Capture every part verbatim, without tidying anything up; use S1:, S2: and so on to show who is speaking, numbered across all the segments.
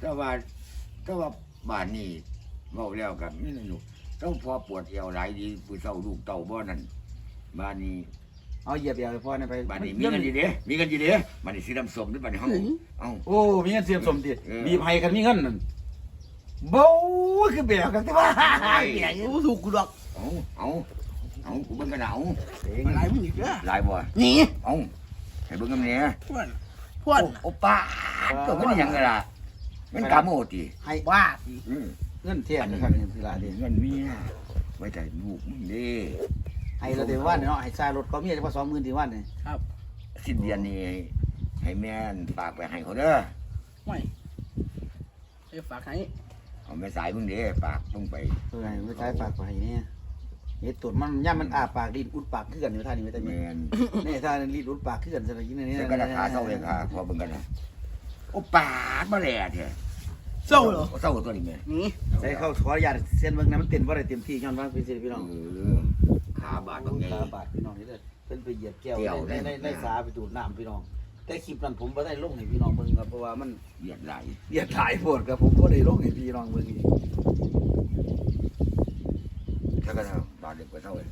S1: แต่ว่าแต่ว่าบ้านนี้เว้าแล้วกันนี่นะลูกเจ้าพอปวดเอวหลายดีผู้เฒ่าลูกเต่าบ่นั่นบ้านนี้
S2: เอาเหยียบเหยียบพ่อเนี่ยไป
S1: บ้านนี้มีเงินดีเด้มีเงินดีเด้บ้านนี้สีดำสมด้วยบ้านนี้เฮาเอ้า
S2: โอ้มีเงินเสียมสมติมีไผกันมีเงินนั่นเบ้าคือแบบกันแต่ว่าเบีย
S3: กูถูกกูดอก
S1: เอาเอาเอากูเบิ่งกันเอา
S3: อะไรมึงอีกเด้อ
S1: หลายบ่
S3: หนี
S1: เอาให้เบิ่งกันแหน่
S3: พวนพวน
S1: โอป้าตัวมันยังไงล่ะมันกาโมติ
S2: ให้
S3: บ้า
S1: อือ
S2: เงินเทียนนะครับนี่คือละเด้
S1: เงินเมียไว้ใจลูกมึงเด้
S2: ให้เราเดี๋ยวว่าเนาะให้ซารถก็มีเฉพาะสองหมื่นที่วันนี่
S3: ครับ
S1: สิ้นเดือนนี้ให้แม่นฝากไปให้เขาเด้อ
S3: ไม่ไอ้ฝากให้
S1: เอาแม่สายมึงเด้ฝากมึงไป
S2: เออให้ไม่ใช้ปากไปเนี่ยเฮ็ดตุ่นมันย่ามันอาปากดิ้นอุดปากคือกันอยู่ท่านี้ไม่ได้
S1: แม่
S2: แม่
S1: น
S2: นี่ท่านี้ลิ้นอุดปากคือกันซะนี่นี่
S1: แล้วก็ราคาเท่าเลยค่ะพอเบิ่งกันนะโอป้ามาแลแท้
S3: เศร้าเหรอ
S1: เศร้าตัวนี้แม่
S3: หนี
S2: ใส่เข้าขออนุญาตเส้นเบิ่งนะมันเต้นบ่ได้เต็มที่ย้อนว่าเป็นสิพี่น้อง
S1: เออขาบาดตรงนี้
S2: ขาบาดพี่น้องนี่เด้อเพิ่นไปเหยียบแก้ว
S1: แก้ว
S2: ในใน
S1: ได้
S2: ในสาไปดูดน้ำพี่น้องแต่คลิปนั้นผมบ่ได้ลงให้พี่น้องเบิ่งครับเพราะว่ามัน
S1: เหยียดไหล
S2: เหยียบหลายโพดครับผมบ่ได้ลงให้พี่น้องเบิ่งอีก
S1: ถ้ากันเอาบาดเด็กไปเท่าไหร่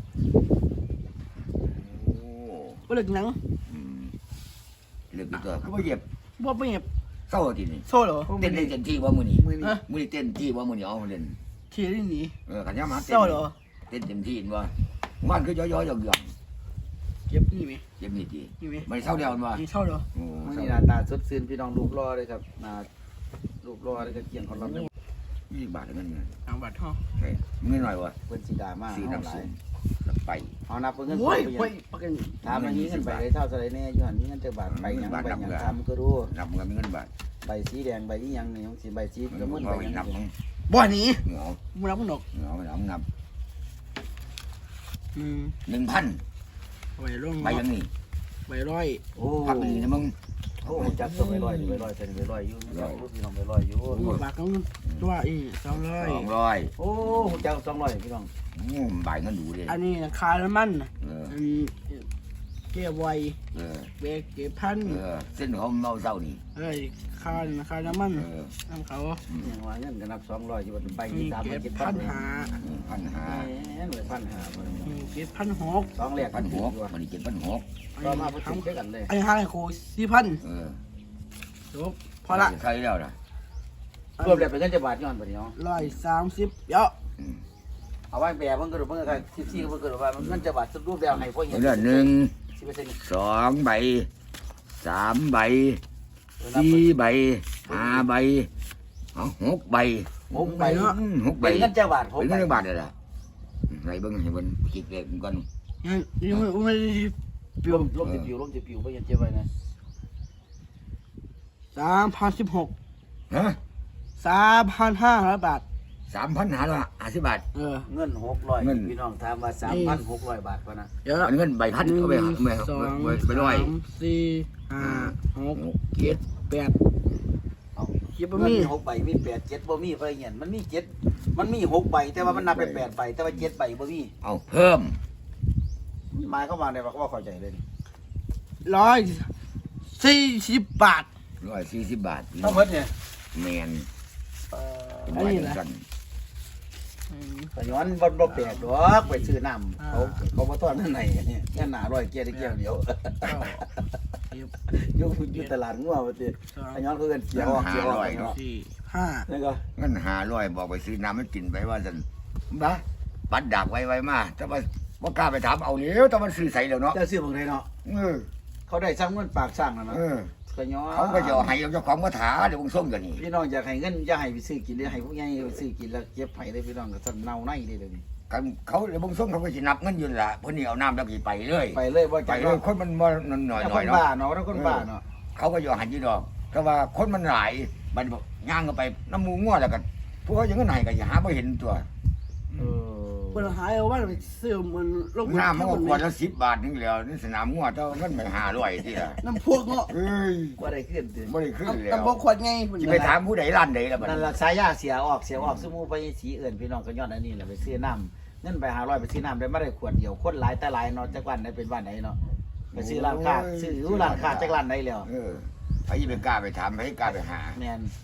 S1: โอ้
S3: ก็เลิกหนัง
S1: อืมเลือกดีตัวเขาบ่เหยียบ
S3: บ่ไม่เห็บ
S1: เศร้าทีนี่
S3: โซ่เหรอ
S1: เต้นได้เต็มที่ว่ามื้อนี้
S2: มื้อนี้
S1: มื้อนี้เต้นที่ว่ามื้อนี้เอามาเล่น
S3: ขี่ได้หนี
S1: เออขันยามาเต้น
S3: เศร้าเหรอ
S1: เต้นเต็มที่เห็นว่ามันก็ย่อยๆหย่อน
S3: เก็บนี่ไหม
S1: ๆเจ็บนิดดี
S3: นี่ไหม
S1: ไม่เศร้าเดียวมันว่า
S3: นี่เศร้าเหรอ
S1: โอ้
S2: มื้อ
S1: เศร้า
S2: นี้หน้าตาสดชื่นพี่น้องรูปรอเลยครับหน้ารูปรอเลยก็เกี่ยงของเรา
S1: ยี่สิบบาทเงินเงิน
S3: เอาบัตรห่อ
S1: ใช่เงินหน่อยวะ
S2: เพิ่นสิดราม่า
S1: สี
S2: เฮาห
S1: น้ำ
S2: ลา
S1: ส้
S2: ย
S1: มแล้วไป
S2: เอานับเงิน
S3: โอ้ย
S2: ไป
S3: โอ้ยปักกัน
S2: ถามมันมีเงินไปได้เท่าเท่าไหร่แน่อยู่หั่นมีเงินจักบาทไปหยังไปหยังถามก็รู้
S1: นับเงินมีเงินบาท
S2: ใบสีแดงใบอีหยังนี่ของสิใบสี
S1: เงิ
S2: ก็
S1: น
S2: มึน
S1: พ
S2: ไป
S1: อไป
S2: หยัง
S1: นับมึง
S3: บ่หนี
S1: เหงา
S3: มึงรับมึงดอก
S1: เหงาเหงานับ
S3: อืม
S1: หนึ่งพัน
S3: ใบร่อง
S1: ไปยังนี่
S3: ใบร้อย
S2: โอ้
S1: พักนี่นะมึง
S2: โอ้จับตัวไปลอยไปลอยใส่ไปลอยอยู่จับพี่น้องไปลอยอยู่
S3: มึงฝากกันตัวอีสองร้อย
S1: สองร้อย
S2: โอ้จับสองร้อยพี่น้อง
S1: อืมใบเงินดูเลย
S3: อันนี้คาร์มัน
S1: เออ
S3: อันนี้เก็บไว้
S1: เออ
S3: เบรกเก็บพัน
S1: เออเส้นเขาเมาเศร้านี่
S3: เอ้ยคาร์คาร์มัน
S1: เออ
S3: น้ำเขา
S2: ยังว่าเงินก็นับสองร้อยอยู่บนใบ
S3: มี
S2: ที่สาม
S3: เก็บ
S2: เจ็ด
S3: พั
S2: พัน
S3: นหา
S1: พันห้า
S2: แหมเลยพันหา
S3: มีเก็บพันหก
S2: สองแหลก
S1: พันหกมันนี่เจ็ดพันหก
S2: ก็มาผสมด้วยกันเลย
S3: อันนี้ห้าโคสี่พัน
S1: เออ
S3: จบพอละ
S1: ใครแล้วล่ะ
S2: รวมแล้วเป็นเงินจะบาทย้อนไปเนาะ
S3: ร้อยสามสิบเยอะ
S1: อืม
S2: เอาไว้แบบมันก็รู้มันก็ที่ที่มันก็รู้ว่ามันเงินจะบาทสรุปแล้วให้พวก
S1: เรื่องหนึ่ง
S2: สิบเปอร์เซ็นต์
S1: สองใบสามใบสี่ใบห้าใบเอาหกใบ
S2: หกใบเนาะ
S1: อืมหกใบ
S2: เป็นเงินจะบาทหก
S1: เป็น
S2: ใบ
S1: เงินบาทเลยล่ะไหนเบิ้งให้เบิ้งคิดเลขก่อน
S3: ยังยังไม่ไม่ได้เปลี่
S2: ล
S3: ยน
S2: มลมจะปิวลมจะปิวไปยังเจ็บไว้นะ
S3: สามพันสิบหก
S1: ฮะ
S3: สามพันห้าร้อยบาท
S1: สามพันหาละห้าสิบบาท
S3: เออ
S2: เงินหกร้อย
S1: เงิน
S2: พี่น้องถามว่าสามพันหกร้อยบาทพอนะ
S3: เยอะ
S1: อันเงินใบพันเอาไป
S3: หนึ่ง
S1: เอาไป
S3: สอง
S1: ไปไปร้อย
S3: สามสี่ห้าหก
S1: หกเจ็ด
S3: แปด
S2: เอา
S3: คิดว่า
S2: เงิ
S3: มี
S2: นหกใบมีแปดเจ็ดบ่มีไปเงี้ยมันมีเจ็ดมันมีหกใบแต่ว่ามันนับเป็นแปดใบแต่ว่าเจ็ดใบบ่มี
S1: เอาเพิ่ม
S2: หมายเข้ามาในว่าเขาว่าเข้าใจเลย
S3: ร้อยสี่สิบบาท
S1: ร้อยสี่สิบบาท
S2: ทั้งหมดเนี่ย
S1: แมน
S2: เอ่อ
S1: เป็นร้อยจังสัน
S3: อืม
S2: ก็ย้อนบ่บ่แปลกดอกไปซื้อน้ำเขาเขาบ่ต้อนนั่นไหนเนี่ยแค่หนาร้อยเกียร์ได้เกียร์เดียว
S3: เก้าสิบ
S2: อยู่อยู่ตลาดงัวว่าติ
S3: สอง
S2: ขย้อนเขาเอิ้นเสียออกเสียออกเนาะ
S3: สี่ห้า
S2: นี่ก็
S1: เงินหาร้อยบอกไปซื้อน้ำมันกินไปว่าสันบ้าปัดดักไว้ไว้มาแต่ว่าว่ากล้าไปถามเอาเนี้ยแต่มันซื้อใส่แล้วเนาะ
S2: เจ้าซื้อบ่ได้เนาะ
S1: เออ
S2: เขาได้สร้างเงินปากสร้างแล้วเนาะ
S1: เออ
S2: ขย้อน
S1: เขาก็จะเอาให้เจ้าของกระถาเดี๋ยวมึงส่งกันนี่
S2: พี่น้องอยากให้เงินอย่าให้ไปซื้อกินเลยให้พวกใหญ่ไปซื้อกินแล้วเก็บไผเลยพี่น้องก็สั่นเน่าในเลยเดี๋ยวนี้
S1: กันเขาเดี๋ยวมึงส่งเขาก็จะนับเงินอยืนละเพื่อนี่เอาน้ำแล้วกี่ไปเลย
S2: ไปเลยบ่
S1: ไป
S2: จัก
S1: เลยคนมันบ่หน่อยหน่อย
S2: คน
S1: เนาะ
S2: บ้าเนาะแล้วคนบ้าเนาะ
S1: เขาก็ยอมหันยี่ดอกแต่ว่าคนมันหลายบัดบอกย่างก็ไปน้ำมูง่วแล้วกันพวกเขาอย่างนั้นไหนก็อย่าหาไม่เห็นตัว
S2: เออ
S3: เปิดหายเอาว่าไปซื้อมันลง
S1: น้ำมันก็ขวดละสิบบาทนึงแล้วนี่สนามง่วเจ้าเงินไปหาร้อยที่ละ
S3: น้ำพวกเนาะ
S1: เอ้ย
S2: บ่ได้ขึ้นติ
S1: ไม่ได้ขึ้นแล้ว
S3: น้ำพวกขวดไง
S1: จะไปถามผู้ใดร้านใดแล้วบัด
S2: นั่น
S1: นี้
S2: ล่ะสายยาเสียออกเสียออกสมูไปสีเอื่นพี่น้องก็ย้อนอันนี้แหละไปซื้อน้ำเงินไปหาร้อยไปซื้อน้ำได้ไม่ได้ขวดเดียวคนหลายแต่หลายเนาะจักวันได้เป็นวันไหนเนาะไปซื้อร้านค้าซื้อร้านค้าจักร้านไหนแล้ว
S1: เออไอ้ยี่ไปกล้าไปถามไอ้กล้าไปหา
S2: แม่น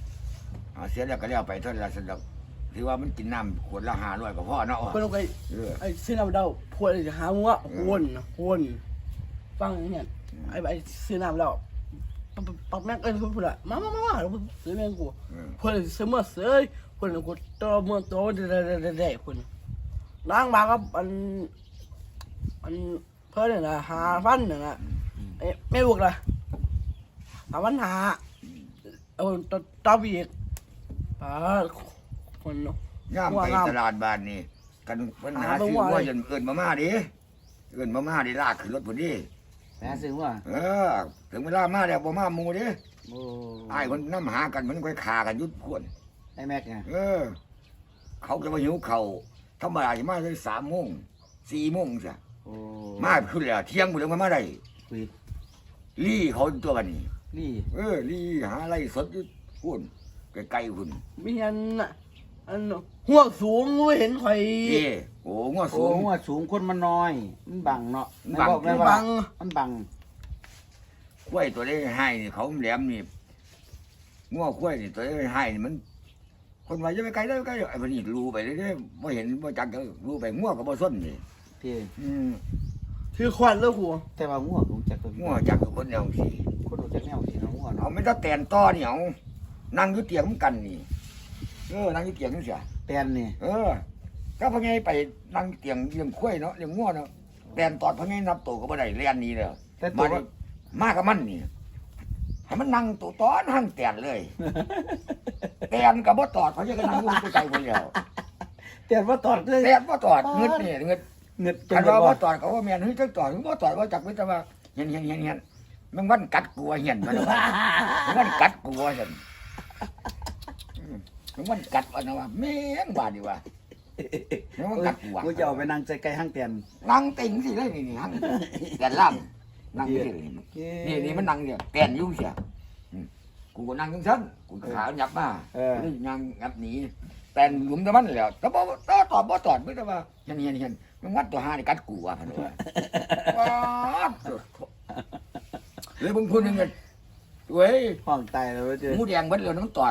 S1: เอาเสียแล้วก็แล้วไปเท่านั้นละสำหรับถือว่ามันกินน้ำขวดละห้าร้อยก็พอเนาะ
S3: เพิ่นเอาไป
S1: เออ
S3: ไอ้เส้นน้ำเดาพวกไอ้หามัววนวนฟังเนี่ยไอ้ไอ้เส้นน้ำแล้วปักปักแม่งเอ้ยพูดละมามามามาซื้อแม่งกู
S1: เออ
S3: เพิ่นซื้อมาเสยเพิ่นกูตัวเมืองตัวเด็ดๆเพิ่นล้างมากับอันอันเพิ่นเนี่ยนะหาพันเนี่ยนะเอ้ไม่บวกละหาพันหาเอาตัวตัวอีกป้าคน
S1: ย่ามไปตลาดบ้านนี่กันปัญหาซื้อว่าจนเอิ้นมาม่าดิเอิ้นมาม่าดิลากขึ้นรถพุ่นดิ
S2: แม่ซื้อว่า
S1: เออถึงเวลามาแล้วบ่มาหมู่ดิ
S2: โอ้
S1: อ้ายคนนำหากันมันค่อยฆ่ากันยุดพวน
S2: ไอ้แม็กไง
S1: เออ เขาก็มาหิวเขาวธรรมดาสิมาได้สามโมงสี่โมงจ้ะ
S2: โอ้
S1: มาขึ้นแล้วเที่ยงบุแล้วมาได้
S2: คุย
S1: ลี่เขาตัวกันนี่
S2: นี่
S1: เออลี่หาอะไรสดอยู่พุ่นไกลๆพุ่น
S3: มีอันน่ะอันหัวสูงไม่เห็นใคร
S1: เอ้โอ้งอ
S2: โอ้
S1: สูง
S2: ว่าสูงคนมันน้อย มันบังเนาะ
S1: มันบัง
S2: บอกได้
S3: บั
S2: ว่าง มันบัง
S1: กล้วยตัวเล็กให้นี่เขาแหลมนี่ง้อกล้วยนี่ตัวเล็กให้นี่มัน คนว่าจะไปไกลได้ไกลไอ้พวกนี้รู้ไปเรื่อยๆไม่เห็นไม่จักก็รู้ไปง้อกับบ่ส้นนี่
S2: พี่
S1: อืม
S3: ถือควันแล้วหัว
S2: แต่ว่าง่วงรู้จักตัว
S1: ง้อจักกับคนเดียวสิ
S2: คนรู้จักแนวสิเนาะง่วง
S1: เอา
S2: เนาะ
S1: ไม่ต้องแตนต่อนี่เอานั่งอยู่เตียงมันกันนี่เออนั่งอยู่เตียงนี่เสีย
S2: แปนนี่
S1: เออก็พอไงไปนั่งเตียงเลี้ยงข้วยเนาะเลี้ยงง้อเนาะแตนตอดพอไงนับตัวก็บ่ได้เรียนนี้เลย
S2: แต่ตั
S1: มาว ดิมากับมันนี่ให้มันนั่งตัวตอนหั่งแตนเลยแตนกับบ่ตอดเพราะยังก็นั่งอยู่ตัวใจคนเดียว
S2: แต่ว่าตอดเลย
S1: แตนบ่ตอดเงึดนี่เงึด
S2: เงิด
S1: คันว่าบ่ตอดเขาว่าแม่นเฮ้ยจังตอดถึงบ่ตอดว่าจักไม่แต่ว่าเห็นเห็นเห็นเห็นมันวันกัดกลัวเห็นมันว่ามันวันกัดกลัวเห็นอืมมันวันกัดว่านะว่าแม่งบาดดีว่ามันวันกัดกลัว
S2: กูจะเอาไปนั่งใจไกลห้างแตน
S1: นั่งติ่งสิเลยนี่นี่หั่งแตนล่างนั่งสินี่นี่มันนั่งเนี่ยแตนอยู่เสียอืมกูก็นั่งจังซั่นกูก็ขาหยับมา
S2: เออ
S1: นี่ยังงับหนีแตนหลุมแต่มันแล้วแต่บ่ตอตอดบ่ตอดไม่แต่ว่าเห็นเห็นเห็นมันวัดตัวหานี่กัดกูว่าพันว่าว้าวเลยบางคนยังไงเว้ย
S2: ห้องตายแล้วเจอ
S1: หมูแดงเบิดเลยน้ำตอด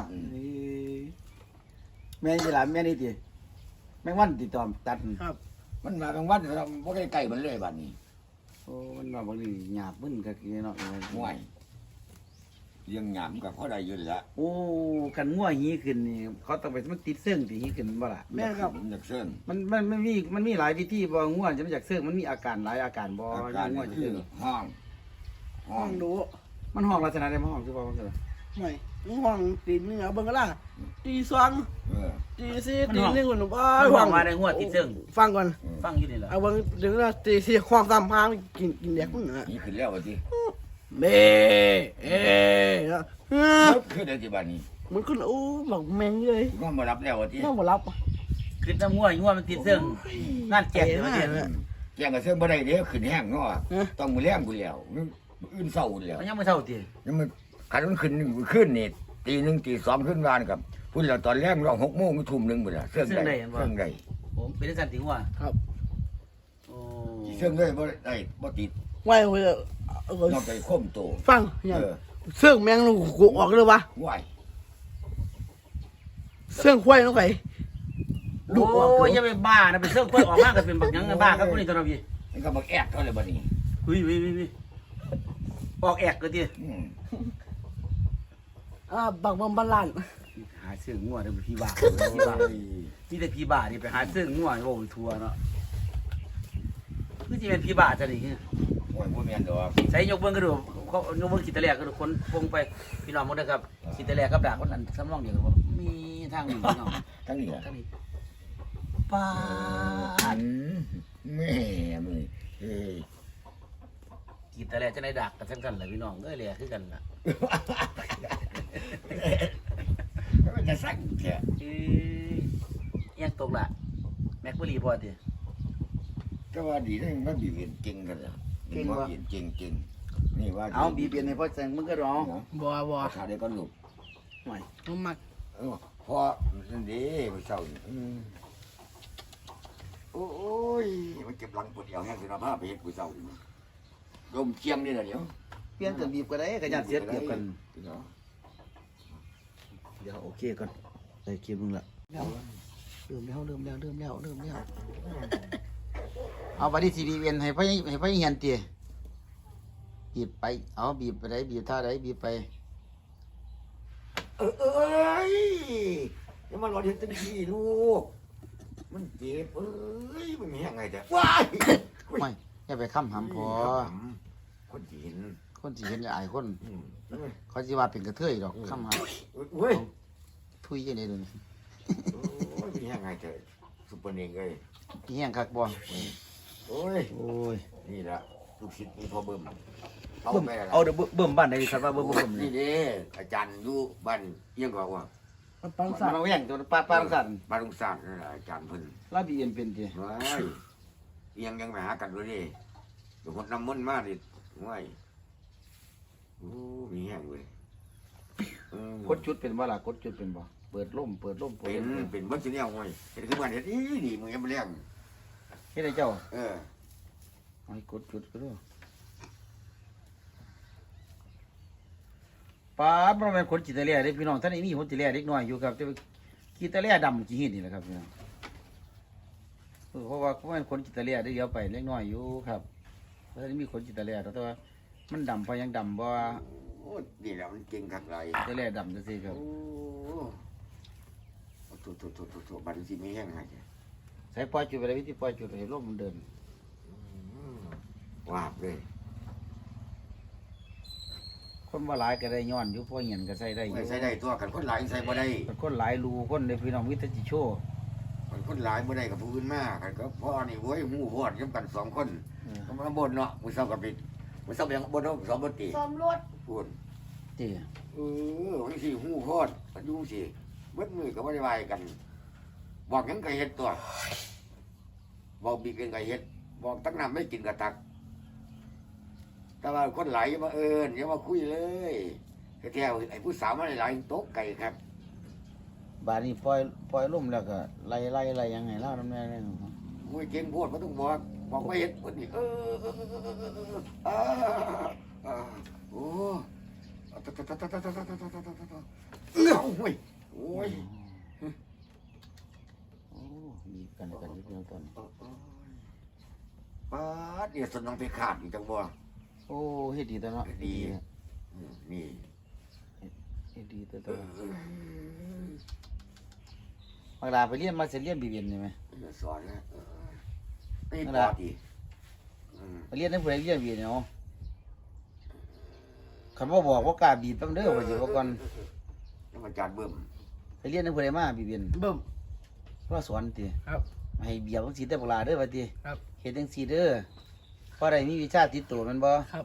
S2: แม่ยี่หลานแม่นี่ติแม่งวันติดต่อตัด
S3: ครับ
S1: มันมาบางวันเราบ่ใกล้ๆมันเลยบัดนี้
S2: โอ้มันว่าบางทีหยาบมึนก็คือเนาะ
S1: ห่วยเลี้ยงหยามกับเขาได้อยืนละ
S2: โอ้กันง่วหีขึ้นนี่เขาต้องไปมันติดเสื่องที่หีขึ้นบ่ล่ะ
S3: แม่ครับ
S1: มันอยากเสื่อง
S2: มันมันมันมีมันมีหลายวิธีบ่ง่วจะมันจากเสื่องมันมีอาการหลายอาการบ่
S1: อาการ
S2: ง่ว
S1: นี่
S2: จะ
S1: คื
S2: เสื่
S1: อ
S2: อง
S1: ห้องห้
S3: ห้
S1: อ
S3: อง งดู
S2: มันห้องลักษณะใดมันห้องคือบ่ว่าคือ
S3: ไม่ห้องตีนนี่เอาเบิ่งก็ล่ะตีสอง
S1: เออ
S3: ตีสี่ตีหนึ่งคนบ้า
S2: มันห้องมาได้ง่วติดเสื่อง
S3: ฟังก่อน
S2: ฟังอยู่นี่ล่ะ
S3: เอาเบิ่งถึงว่าตีสี่ห้องสามพางกินกินแดกมึงน่ะ
S1: นี่ขึ้นแล้วว่าที
S3: เบ้เอ๊ะเออ
S1: มันขึ้นได้ที่บ้านนี้
S3: มันขึ้นโอ้บอกแม่งเลย
S1: ก็มารับแล้วว่าที
S3: น่าบ่รับ
S2: คือน้ำง่วง่วมันติดเสื่องนั่นแก่เดี๋ยวเดี๋ยว
S1: แกงกับเสื่องบ่ได้เด้อขึ้นแห้งเนาะต้องมือแรงกูแล้วมื้ออื่นเศร้าแล้ว
S2: มันยังไม่เท่าติ
S1: ยังมันขันมันขึ้นขึ้นนี่ตีหนึ่งตีสองขึ้นวานกับพุ่นเราตอนแรกเราหกโมงทุ่มหนึ่งหมดละเสื่องได้เสื่องได้
S2: ผมเป็นสันติง่ว
S3: ครับ
S2: โอ้
S1: เสื่องได้บ่ได้บ่ติด
S3: ไว้เว้ยเออน
S1: อกจากข่มโต
S3: ฟังอย่าง
S1: เออ
S3: เสื่องแมงลูกกูออกเลยวะ
S1: ไหว
S3: เสื่องควายน้องไก่
S2: โอ้ยอย่าไปบ้านะไปเสื่องเพิ่นออกมาก็เป็นบักหยังบ้าครับคนนี้ตัวเราพี่
S1: มันก็บักแอกเท่าเลยบัดนี้
S2: วิวิวิวิออกแอกก็ติ
S1: อืม
S3: อ่าบักบังบัลลัน
S2: หาเสื่องง่วเด้อพี่บ้าพี่บ้านี่แต่พี่บ้านี่ไปหาเสื่องง่วโอ้ทัวเนาะคือสิเป็นพี่บ้าจังนี่
S1: โอ้ยบ่แม่นดอก
S2: ใส่ยกเบิ่งก็ดูเขายกเบิ่งขีดตะแลกก็ดูคนปงไปพี่น้องหมดเด้อครับขีดตะแลกกับดาคนนั้นสำรองเดียวกันบ่มีทางนี้พี่น้อง
S1: ทั้งนี้ล่ะ
S2: ทางนี้ป้า
S1: อั
S2: ด
S1: นแม่มึงเอ้ย
S2: ขีดตะแลกจะได้ดักกันทั้งกันแหละพี่น้องเอ้ยแหละคือกันล่ะ
S1: มันจะสั่งแท้
S2: เอ้ยยังตกละแม็กบ่รีพอติ
S1: ก็ว่าดีได้มันบีบเห็นจริงกันล่ะบีบเห็นจริงจริงนี่ว่า
S2: เอาบีเปลี่ยนให้พ่อแซงมึงก็ร้อง
S3: บัวบัว
S1: ถ้าได้ก็ลูก
S2: หน่อย
S3: น้ำมัก
S1: เออพอนั่นดีผู้เฒ่านี่อืมโอ้ยมันเจ็บหลังปวดเอวแห้งสินะพาไปเฮ็ดผู้เฒ่านี่ลมเชียงนี่น่ะเดี๋ยว
S2: เปลี่ยนกันบีบก็ได้ก็ยัดเสียเปรียบกัน
S1: เนาะ
S2: เดี๋ยวโอเคก่อนได้คลิปนึงละเริ่มแล้วเริ่มแล้วเริ่มแล้วเริ่มแล้วเอาไปที่ทีดีเอ็นให้พ่อให้พ่อเฮียนเตี๋ยบีบไปเอาบีบไปไหนบีบท่าไหนบีบไป
S1: เออเอ้ยอย่ามารอเห็นตั้งทีลูกมันเจ็บเอ้ยมันมียังไงแต่ว้าย
S2: ไม่อย่าไปค้ำหำพอ
S1: คนจีน
S2: คนสิเห็นจะอายคน
S1: อืม
S2: เขาสิว่าเป็นกระเทยดอกค้ำห
S1: เว้ย
S2: ำทุยยังไงเดี๋ยวนี้
S1: โอ้ยมียังไงแต่ซุปเปอร์เน่งเลย
S2: เฮียงคักบ่
S1: โอ้ย
S2: โอ้ย
S1: นี่แหละลูกศิษย์มีพ่อเบิ่มเขา
S2: เบิ่ม
S1: แม่ละ
S2: เอาเดี๋ยวเบิ่มบ้านไหนครับว่าเบิ่มเบิ่ม
S1: นี่
S2: นี่
S1: เด้อาจารย์อยู่บ้านเอียงกว่าว่า
S3: มันปัง
S2: มั
S3: สาน
S2: เอาแย่งตัวป้าป้าสั่น
S1: บ้านลุงสร้างนั่นแหละอาจารย์เพิ่น
S2: ลาบีเอ็นเป็นติ
S1: ว้ายเอียงยังไปหากันด้วยดิเดี๋ยวคนน้ำมันต์มาดิว้ายโอ้มีแห้งเว้ยเออก
S2: ดจุดเป็นบ่ล่ะกดจุดเป็นบ่เปิดล่มเปิดล่มเปิด
S1: เป็น
S2: ล่ม
S1: เป็นเบิ้ลสีแนวเว้ยเป็นคือมันเห็ดอีดีมึงยังไม่เลี้ยง
S2: เฮ็ดให้เจ้า
S1: เออ
S2: เอาให้กดจุดก็ได้ป้าบ่แม่นคนจิตเลียเด้พี่น้องท่านนี้มีคนจิตเลียเด็กน้อยอยู่ครับจะจิตเลียดำกี่เฮ็ดนี่แหละครับพี่น้องเออเพราะว่าเพราะมันคนจิตเลียได้เดียวไปเล็กน้อยอยู่ครับเพราะท่านนี้มีคนจิตเลียแต่ว่ามันดำเพราะยังดำบ่
S1: โอ้นี่แหละมันเก่งขักไร
S2: จิตเลียดำจังซี่ครับ
S1: โอ้ถูถูถูถูถูบัตรสีไม่แห้งไง
S2: ใส่ปล่อยจุดไปเลยวิธีปล่อยจุดให้ลมมันเดิน
S1: วาบเลย
S2: คนว่าหลายก็ได้ย้อนอยู่เพราะเหียนก็ใส่ได้อยู่
S1: ไม่ใส่ได้ตัวกันคนหลายใส่บ่ได้
S2: แต่คนหลายรูคนในพี่น้องวิทยาโชว์
S1: กันคนหลายบ่ได้กับผู้อื่นมากกันก็พ่อนี่เว้ยหมู่พอดย้ำกันสองคน
S2: เออ
S1: ก็มาบนเนาะมือเศร้ากับปิดมือเศร้ายังบนเนาะสองบนตี
S3: ซ้อมรถ
S1: พูด
S2: เจ้
S1: เออวันสี่หูพอดกันอยู่สิเบิดมือก็บ่ได้วายกัน บอกหยังก็เฮ็ดตัว บอกบีเป็นก็เฮ็ด บอกตักน้ำไม่กินก็ตัก แต่ว่าคนหลายอย่ามาเอิญอย่ามาคุยเลยแท้ๆไอ้ผู้สาวมาหลายๆโต๊ะไก่ครับ
S2: บาดนี้ปล่อยปล่อยลมแล้วก็ไล่ไล่ไล่ยังไงเล่าน้ำแน่เลย
S1: มุ้ยเก่งโพดบ่ต้องบอกบอกไม่เฮ็ดคนนี้เออเออเออเออเออเออโอ้ตะตะตะตะตะตะตะตะตะตะตะตะเอ้าโอ้ยโอ้ย
S2: โอ้มีกันกันนิดเดียวตอนนี้
S1: ป้าดเนี่ยสนองไปขาดอีกจังบ่
S2: โอ้เฮ็ดดีตัวเนาะ
S1: ดีอืมนี่
S2: เฮ็ดดีตัวตัวบางลาไปเรียนมาเสร็จเรียนบีเบียนใช่ไหม
S1: สอนนะเออนี่ปอดอีกอืม
S2: ไปเรียนในผู้ใดเรียนบีเนาะคันบ่บอกว่ากล้าบีบแป๊บเด้อว่าสิว่าก่อน
S1: แล้วมาจานเบิ่ม
S2: ไปเรียนในผู้ใดมาบีเบียน
S3: เบิ่ม
S2: ว่าสอนติ
S3: ครับ
S2: ให้เบียบจังซี่แต่บักลาเด้อว่าติ
S3: ครับ
S2: เฮ็ดจังซี่เด้อเพราะได้มีวิชาติดตัวแม่นบ่
S3: ครับ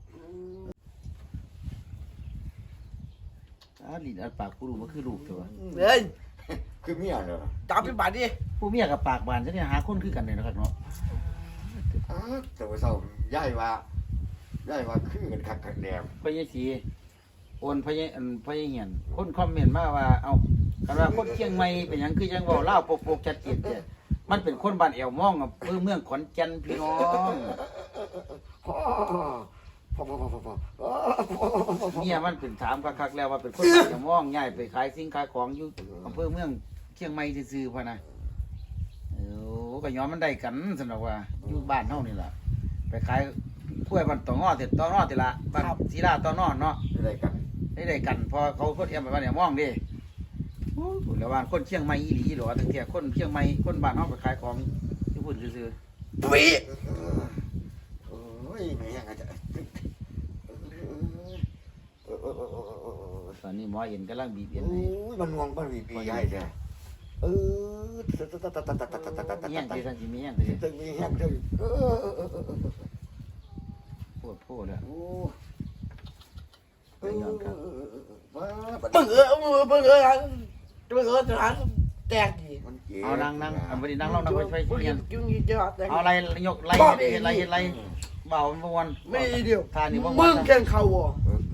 S2: อ่าลิ้นอัดปากกูรู้มันคือลูกตัว
S3: เฮ้ย
S1: คือเมียเหรอ
S3: จับไปบาดดิ
S2: ผู้เมียกับปากบานจะเนี่ยหาคนคือกันเลยนะครับเนาะ
S1: อ้าแต่ว่าเศร้าย้ายว่าย้ายว่าคือกันคักกันแนม
S2: พญาสีโอนพญาอันพญาเหียนคนคอมเมนต์มาว่าเอาคันว่าคนเชียงใหม่เป็นหยังคือจังเว้าลาวปกๆชัดเจนแต่มันเป็นคนบ้านแอวม่องอ่ะเพื่อเมืองขอนแก่นพี่น้อง
S1: พ่อพ่อพ่อพ่อพ่อพ่อ
S2: เนี่ยมันเป็นถามคักๆแล้วว่าเป็นคนบ้านแอวม่องย้ายไปขายสิ่งขายของอยู่อำเภอเมืองเชียงใหม่ซื่อๆพ่นนะเออก็ย้อนมันได้กันสำหรับว่าอยู่บ้านเฮานี่ล่ะไปขายกล้วยบ้านตองอ้อเสร็จตองอ้อติละบ้านศรีลาตองอ้อเนาะ
S1: อะไรกัน
S2: ได้ได้กันพอเขาคนเอียมไปบ้านเนี่ยมองดิโอ้ยแล้วว่าคนเชียงใหม่อีหลีหรอตั้งแต่คนเชียงใหม่คนบ้านเฮาไปขายของที่พูดซื่อ
S1: ตุ้ยโอ้ยไม่ยังไงจะ
S2: ๆตอนนี้หมอเอ็นกำลังบีบเอ็น
S1: โอ้
S2: ให้
S1: ยมันงวงมันวีปีใหญ่แท้เออตะตะตะตะตะตะตะตะตะตะ
S2: มีหยัง
S1: ตะ
S2: ที่ท่านสิมีหยังที่
S1: ตึงมีแห้งตึงเออเออเออเออ
S2: พูดพูดแล้ว
S1: โอ้
S2: ได้ย้อนครับ
S1: ว้าบัด
S3: เบิ่งเออเบิ่งเออเบิ่งเออเบิ่งเออทหารแตกดิ
S1: มันเจ็บ
S2: เอานั่งนั่งเอาไปดินั่งลงนั่งไปช่วยเรียน
S3: ยุ่งยิ่งจะแตก
S2: เอาอะไรยกไล่เฮ็ดไล่เฮ็ดไล่เบามันบ่วัน
S3: ไม่เดียว
S2: ทานนี่บ่
S3: มึ
S2: วัน
S3: งแข่งเขาบ่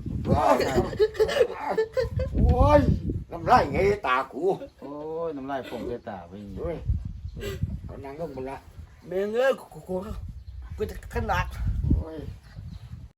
S1: โอ้ยน้ำลายไงตากู
S2: โอ้ยน้ำลายผมใส่ตาไปนี่
S1: เฮ้ยเอานั่งลงบนละ
S3: เบิ่งเออกูกูกูจะขนาด
S1: โอ้ย